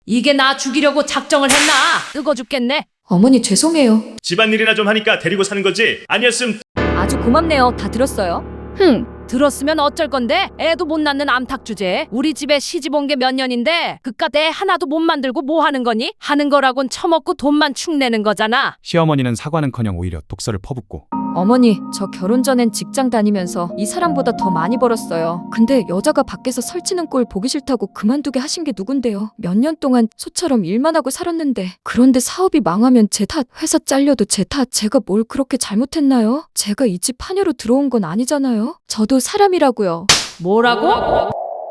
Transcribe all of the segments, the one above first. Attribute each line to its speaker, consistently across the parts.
Speaker 1: 이게 나 죽이려고 작정을 했나? 뜨거 죽겠네.
Speaker 2: 어머니 죄송해요.
Speaker 3: 집안일이나 좀 하니까 데리고 사는 거지. 아니었음
Speaker 4: 아주 고맙네요. 다 들었어요.
Speaker 1: 들었으면 어쩔 건데? 애도 못 낳는 암탉 주제에 우리 집에 시집 온 게 몇 년인데 그깟 애 하나도 못 만들고 뭐 하는 거니? 하는 거라곤 처먹고 돈만 축내는 거잖아.
Speaker 5: 시어머니는 사과는커녕 오히려 독서를 퍼붓고
Speaker 4: 어머니, 저 결혼 전엔 직장 다니면서 이 사람보다 더 많이 벌었어요. 근데 여자가 밖에서 설치는 꼴 보기 싫다고 그만두게 하신 게 누군데요? 몇 년 동안 소처럼 일만 하고 살았는데. 그런데 사업이 망하면 제 탓, 회사 잘려도 제 탓. 제가 뭘 그렇게 잘못했나요? 제가 이 집 파녀로 들어온 건 아니잖아요. 저도 사람이라고요.
Speaker 1: 뭐라고?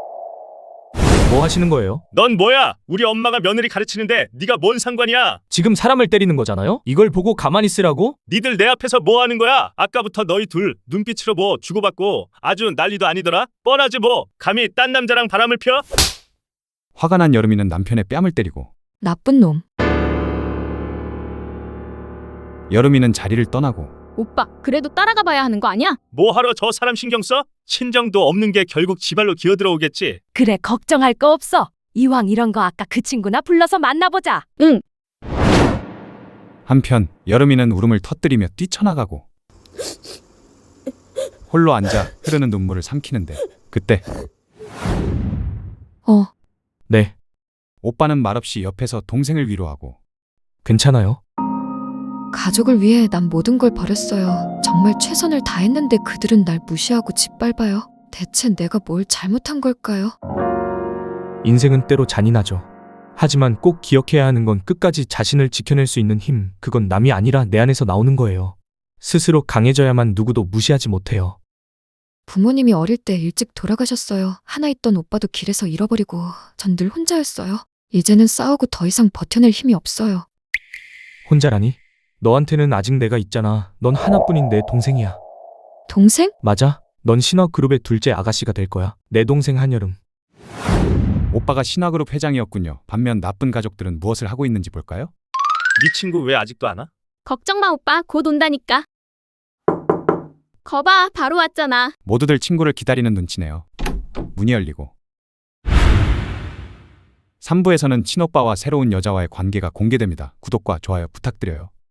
Speaker 6: 뭐 하시는 거예요?
Speaker 3: 넌 뭐야? 우리 엄마가 며느리 가르치는데 네가 뭔 상관이야?
Speaker 6: 지금 사람을 때리는 거잖아요? 이걸 보고 가만히 있으라고?
Speaker 3: 니들 내 앞에서 뭐 하는 거야? 아까부터 너희 둘 눈빛으로 뭐 주고받고 아주 난리도 아니더라? 뻔하지 뭐. 감히 딴 남자랑 바람을 펴?
Speaker 5: 화가 난 여름이는 남편의 뺨을 때리고
Speaker 4: 나쁜 놈.
Speaker 5: 여름이는 자리를 떠나고
Speaker 7: 오빠, 그래도 따라가 봐야 하는 거 아니야?
Speaker 3: 뭐하러 저 사람 신경 써? 친정도 없는 게 결국 지발로 기어들어오겠지.
Speaker 1: 그래 걱정할 거 없어. 이왕 이런 거 아까 그 친구나 불러서 만나보자.
Speaker 5: 한편 여름이는 울음을 터뜨리며 뛰쳐나가고 홀로 앉아 흐르는 눈물을 삼키는데 그때
Speaker 6: 네,
Speaker 5: 오빠는 말없이 옆에서 동생을 위로하고
Speaker 6: 괜찮아요.
Speaker 2: 가족을 위해 난 모든 걸 버렸어요. 정말 최선을 다했는데 그들은 날 무시하고 짓밟아요. 대체 내가 뭘 잘못한 걸까요?
Speaker 6: 인생은 때로 잔인하죠. 하지만 꼭 기억해야 하는 건 끝까지 자신을 지켜낼 수 있는 힘, 그건 남이 아니라 내 안에서 나오는 거예요. 스스로 강해져야만 누구도 무시하지 못해요.
Speaker 2: 부모님이 어릴 때 일찍 돌아가셨어요. 하나 있던 오빠도 길에서 잃어버리고 전 늘 혼자였어요. 이제는 싸우고 더 이상 버텨낼 힘이 없어요.
Speaker 6: 혼자라니? 너한테는 아직 내가 있잖아. 넌 하나뿐인 내 동생이야.
Speaker 2: 동생?
Speaker 6: 맞아. 넌 신화그룹의 둘째 아가씨가 될 거야. 내 동생 한여름.
Speaker 5: 오빠가 신화그룹 회장이었군요. 반면 나쁜 가족들은 무엇을 하고 있는지 볼까요?
Speaker 3: 네 친구 왜 아직도 안 와?
Speaker 7: 걱정 마, 오빠. 곧 온다니까. 거봐, 바로 왔잖아.
Speaker 5: 모두들 친구를 기다리는 눈치네요. 문이 열리고 3부에서는 친오빠와 새로운 여자와의 관계가 공개됩니다. 구독과 좋아요 부탁드려요.